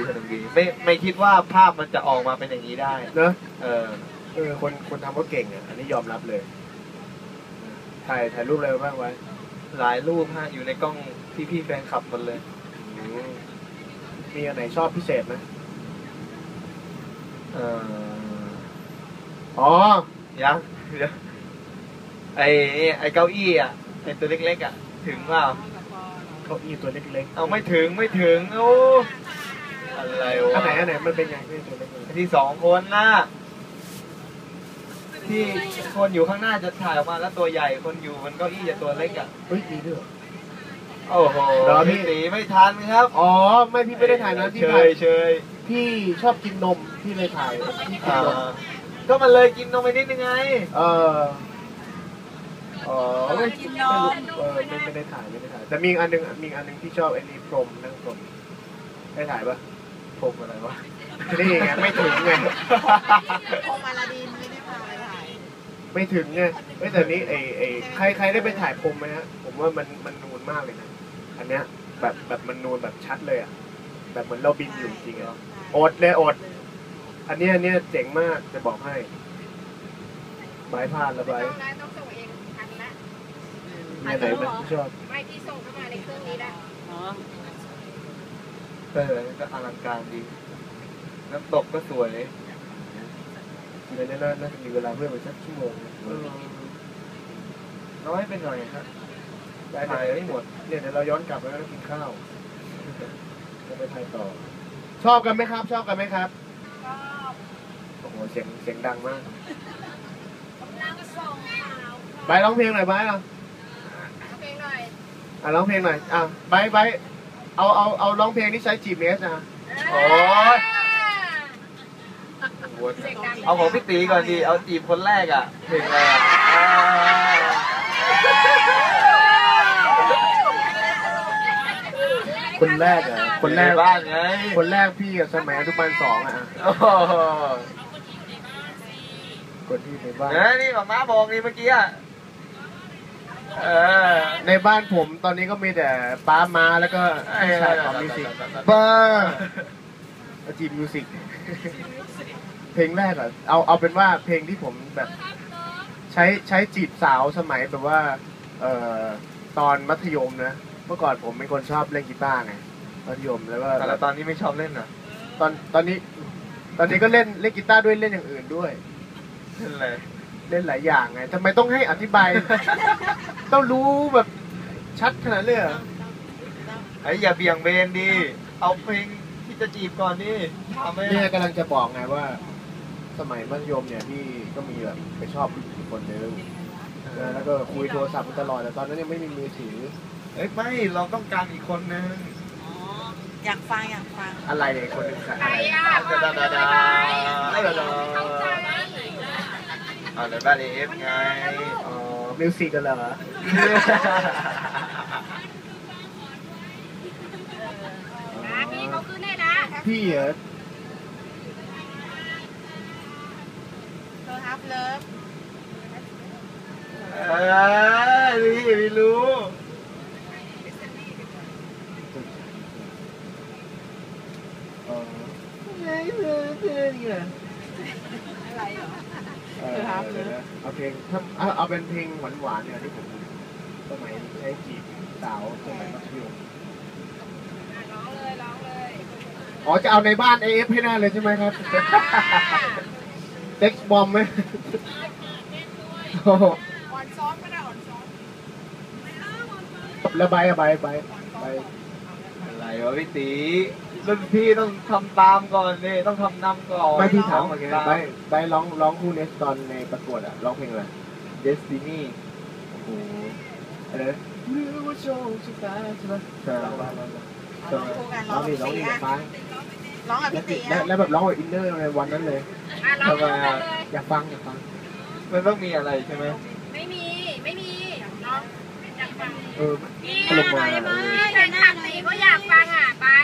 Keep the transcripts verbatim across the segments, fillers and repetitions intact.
สนุกดีไม่ไม่คิดว่าภาพมันจะออกมาเป็นอย่างนี้ได้เนอะเออเออคนคนทำก็เก่งอ่ะอันนี้ยอมรับเลยถ่ายถ่ายรูปอะไรบ้างไว้หลายรูปฮะอยู่ในกล้องพี่พี่แฟนคลับหมดเลยมีอันไหนชอบพิเศษไหมเอออ๋อยังไอไอเก้าอี้อ่ะไอตัวเล็กๆอ่ะถึงเปล่าเก้าอี้ตัวเล็กๆเอาไม่ถึงไม่ถึงโอ้อะไรวะอันไหนอันไหนมันเป็นยังไงตัวเล็กๆที่สองคนน่ะที่คนอยู่ข้างหน้าจะถ่ายออกมาแล้วตัวใหญ่คนอยู่มันเก้าอี้จะตัวเล็กอ่ะเฮ้ยมีด้วยโอ้โหพี่ตีไม่ทันครับอ๋อไม่พี่ไม่ได้ถ่ายนะพี่เชยเชยพี่ชอบกินนมพี่เลยถ่ายพี่กินนมก็มันเลยกินนมไปนิดนึงไงเอออ๋อไม่กินนมเออไม่ไม่ได้ถ่ายไม่ได้ถ่ายแต่มีอันนึงมีอันนึงที่ชอบไอ้นี่พรมนั่งพรมได้ถ่ายปะพรมอะไรวะนี่ไงไม่ถึงไงพรมอลาดินไม่ได้พาไปถ่ายไม่ถึงไงไม่แต่นี้ไอ้ไอ้ใครใครได้ไปถ่ายพรมไหมฮะผมว่ามันมันนูนมากเลยนะอันเนี้ยแบบแบบมันนูนแบบชัดเลยอ่ะแบบเหมือนเราบินอยู่จริงอ่ะอดเลยอดอันนี้อันนี้เจ๋งมากจะบอกให้ไม้พลาดแล้วไปต้องส่งเองทันละเนี่ยไหนมันชอบไม่ที่ส่งเข้ามาในเครื่องนี้ละอ๋อเออก็อลังการดีน้ำตกก็สวยในนี้น่าจะมีเวลาเพื่อไปสักชั่วโมงน้อยไปหน่อยครับถ่ายไม่หมดเนี่ยเดี๋ยวเราย้อนกลับแล้วก็กินข้าวจะไปถ่ายต่อชอบกันไหมครับชอบกันไหมครับชอบโอ้โหเสียงเสียงดังมากไปร้องเพลงหน่อยไปอ่ะเพลงหน่อยอ่ะร้องเพลงหน่อยอ่ะไปไปเอาเอาเอาร้องเพลงที่ใช้จีบเนสนะโอ้ยเอาของพี่ตีก่อนดีเอาจีบคนแรกอ่ะเพลงอะไรอ่ะคนแรกอ่ะคนแรกบ้านไงคนแรกพี่กับสมัยอนุบาลสองอ่ะคนที่ในบ้านนี่หมาม้าบอกนี่เมื่อกี้อ่ะในบ้านผมตอนนี้ก็มีแต่ป้ามาแล้วก็พี่ชายของมิวสิกบ้าจีบมิวสิกเพลงแรกอ่ะเอาเอาเป็นว่าเพลงที่ผมแบบใช้ใช้จีบสาวสมัยแบบว่าเอ่อตอนมัธยมนะเมื่อก่อนผมเป็นคนชอบเล่นกีตาร์ไงมัธยมแล้วก็แต่ตอนนี้ไม่ชอบเล่นอ่ะตอนตอนนี้ตอนนี้ก็เล่นเล่นกีตาร์ด้วยเล่นอย่างอื่นด้วยเล่นอะไรเล่นหลายอย่างไงทำไมต้องให้อธิบายต้องรู้แบบชัดขนาดเลยเหรอไอ้อย่าเบี่ยงเบนดีเอาเพลงที่จะจีบก่อนดิเนี่ยกำลังจะบอกไงว่าสมัยมัธยมเนี่ยพี่ก็มีแบบไปชอบผู้คนนึงแล้วก็คุยโทรศัพท์ตลอดแต่ตอนนั้นยังไม่มีมือถือเอ้ยไม่เราต้องการอีกคนนึงอ๋ออยากฟังอยากฟังอะไรเนี่ยคนนึงใครอ่ะดาดาดาดาดาอ๋อในบ้านเอฟไงอ๋อมิวสิกกันเหรอพี่เขาขึ้นได้นะพี่เหรอโลฮับเลิฟเออนี่ไม่รู้อ๋อไงเพื่อนเพื่อนไงอะไรเหรอเอาเพลงถ้าเอาเป็นเพลงหวานๆเนี่ยที่ผมสมัยใช้จีบสาวสมัยมัธยมร้องเลยร้องเลยอ๋อจะเอาในบ้านเอฟให้ได้เลยใช่ไหมครับเซ็กซ์บอมไหมอ่อนซ้อมก็ได้อ่อนซ้อมแล้วใบอะใบใบใบอะไรวะพี่ตีรุ่นพี่ต้องทำตามก่อนเลยต้องทำนำก่อนไม่พี่ถามเมื่อกี้ใบใบร้องร้องคู่เนสตอนในประกวดอะร้องเพลงอะไร Destiny โอ้โหอะไรหรือว่าโชคชะตาใช่ไหมใช่ร้องร้องร้องร้องนี่ร้องนี่กับฟ้าร้องกับพี่ตีแล้วแบบร้องกับอินเนอร์ในวันนั้นเลยแล้วก็อยากฟังอยากฟังมันต้องมีอะไรใช่ไหมไม่มีไม่มีร้องอยากฟังเออตลกมาแฟนคลับตีก็อยากฟังอ่ะไป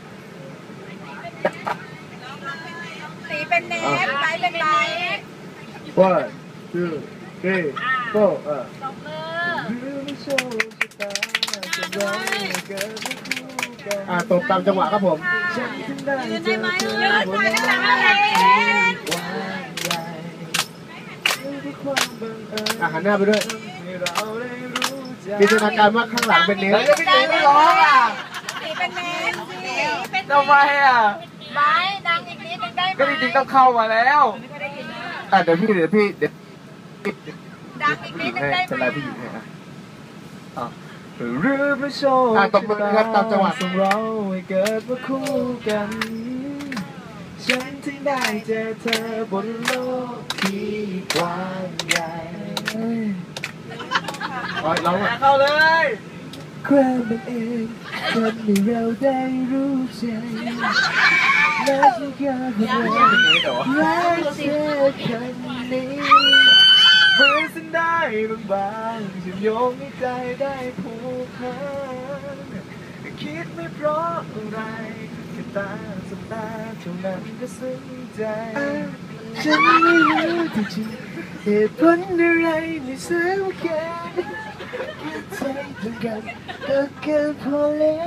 ตีเป็นเนสไปเป็นไรว่าชื่อเก้ก็เออตบมืออ่าตบตามจังหวะครับผมยืนได้ไหมยืนหน่อยก็ได้อ่ะหันหน้าไปด้วยมีจินตนาการว่าข้างหลังเป็นเนสแล้วก็พี่ตีไม่ร้องอ่ะสีเป็นเมนสีเป็นทำไมอ่ะไม้ดังอีกนิดนึงได้ไหมก็จริงๆต้องเข้ามาแล้วอ่ะเดี๋ยวพี่เดี๋ยวพี่เดี๋ยวดังอีกนิดนึงได้เป็นไหไรมผู้หญิงให้อ่ะหรือพระโชคอ่ะตบมือครับตามจังหวะส่งเราให้เกิดมาคู่กัน ฉันถึงได้เจอเธอบนโลกที่กว้างใหญ่อ๋อร้องอ่ะเข้าเลยความบังเอิญทำให้เราได้รู้ใจและฉันก็พยายามรักเธอคนนี้เมื่อฉันได้บางๆฉันโยงให้ใจได้ผูกพันคิดไม่เพราะอะไรแค่ตาสบตาเท่านั้นก็ซึ้งใจฉันไม่รู้ที่จริงเหตุผลอะไรไม่สำคัญใจตรงกันก็เกินพอ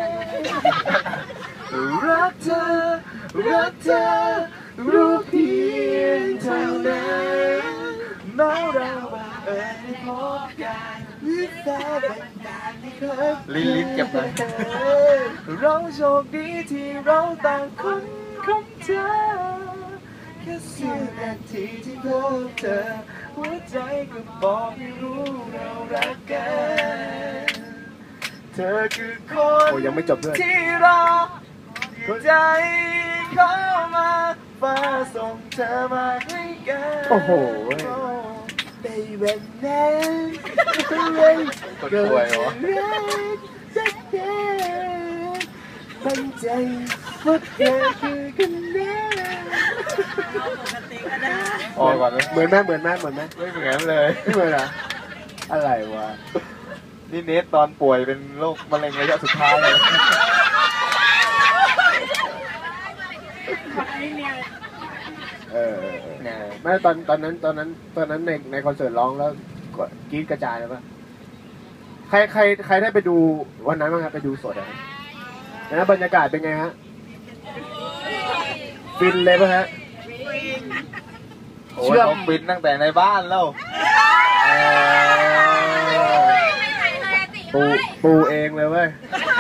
แล้วรักเธอรักเธอรู้เพียงเท่านั้นแม้เราเอ่ยพบกันหรือแค่บันดาลให้เคยลิ้นลิ้นเก็บเลยเราโชคดีที่เราต่างคนของเธอแค่เสี้ยวนาทีที่พบเธอหัวใจก็บอกให้รู้เรารักกันเธอคือคนยังไม่จบด้วยที่รอใจเข้ามาฟ้าส่งเธอมาให้กันโอ้โหในวันนั้นก็จะรักสักแค่มั่นใจว่าเธอคือคนนั้นออกก่อนเลยเหมือนแม่เหมือนแม่เหมือนแม่ไม่เหมือนเลยไม่เหมือนเหรออะไรวะนี่เนสตอนป่วยเป็นโรคมะเร็งระยะสุดท้ายเลยเออไม่ตอนตอนนั้นตอนนั้นตอนนั้นในในคอนเสิร์ตร้องแล้วกรี๊ดกระจายเลยป่ะใครใครใครได้ไปดูวันนั้นบ้างครับไปดูสดอ่ะนะบรรยากาศเป็นไงฮะฟินเลยป่ะฮะเชื่อมฟินตั้งแต่ในบ้านแล้วปูปูเองเลยเว้ย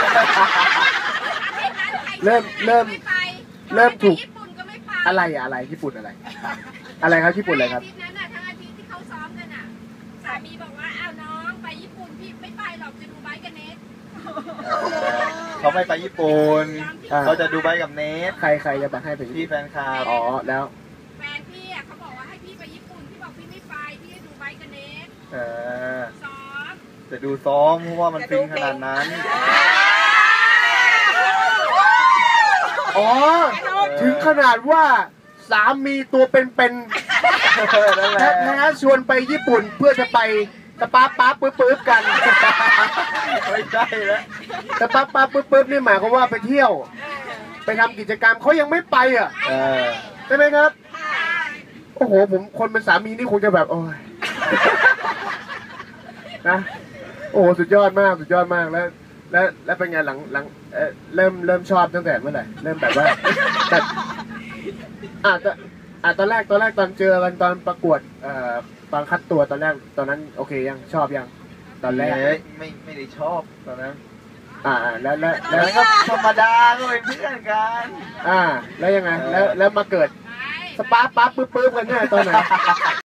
เริ่มเริ่มเริ่มถูกอะไรอะอะไรญี่ปุ่นอะไรอะไรครับญี่ปุ่นอะไรครับอาทิตย์นั้นน่ะทั้งอาทิตย์ที่เขาซ้อมกันน่ะสามีบอกว่าอ้าวน้องไปญี่ปุ่นพี่ไม่ไปหรอกจะดูไบค์กับเนสเขาไม่ไปญี่ปุ่นเขาจะดูไบค์กับเนสใครใครจะไปให้ไปพี่แฟนคลับอ๋อแล้วแฟนพี่อ่ะเขาบอกว่าให้พี่ไปญี่ปุ่นพี่บอกพี่ไม่ไปพี่จะดูไบค์กับเนสเออซ้อมจะดูซ้อมเพราะว่ามันฟินขนาดนั้นอ๋อถึงขนาดว่าสามีตัวเป็นๆแท้ๆชวนไปญี่ปุ่นเพื่อจะไปสปาป๊าปึ๊บปึ๊บกันไม่ใช่แล้วสปาป๊าปึ๊บปึ๊บนี่หมายความว่าไปเที่ยวไปทำกิจกรรมเขายังไม่ไปอ่ะใช่ไหมครับโอ้โหผมคนเป็นสามีนี่คงจะแบบโอ้ยนะโอ้โหสุดยอดมากสุดยอดมากแล้วแล้วแล้วเป็นไงหลังหลังเอ่อเริ่มเริ่มชอบตั้งแต่เมื่อไหร่เริ่มแบบว่าแต่อ่ะอ่ะตอนแรกตอนแรกตอนเจอกันตอนประกวดเอ่อตอนคัดตัวตอนแรกตอนนั้นโอเคยังชอบยังตอนแรกไม่ไม่ได้ชอบตอนนั้นอ่าแล้วแล้วแล้วก็ธรรมดาก็เป็นเพื่อนกันอ่าแล้วยังไงแล้วแล้วมาเกิดสปาร์ปั๊บปึ๊บปึ๊บกันเนี่ยตอนไหน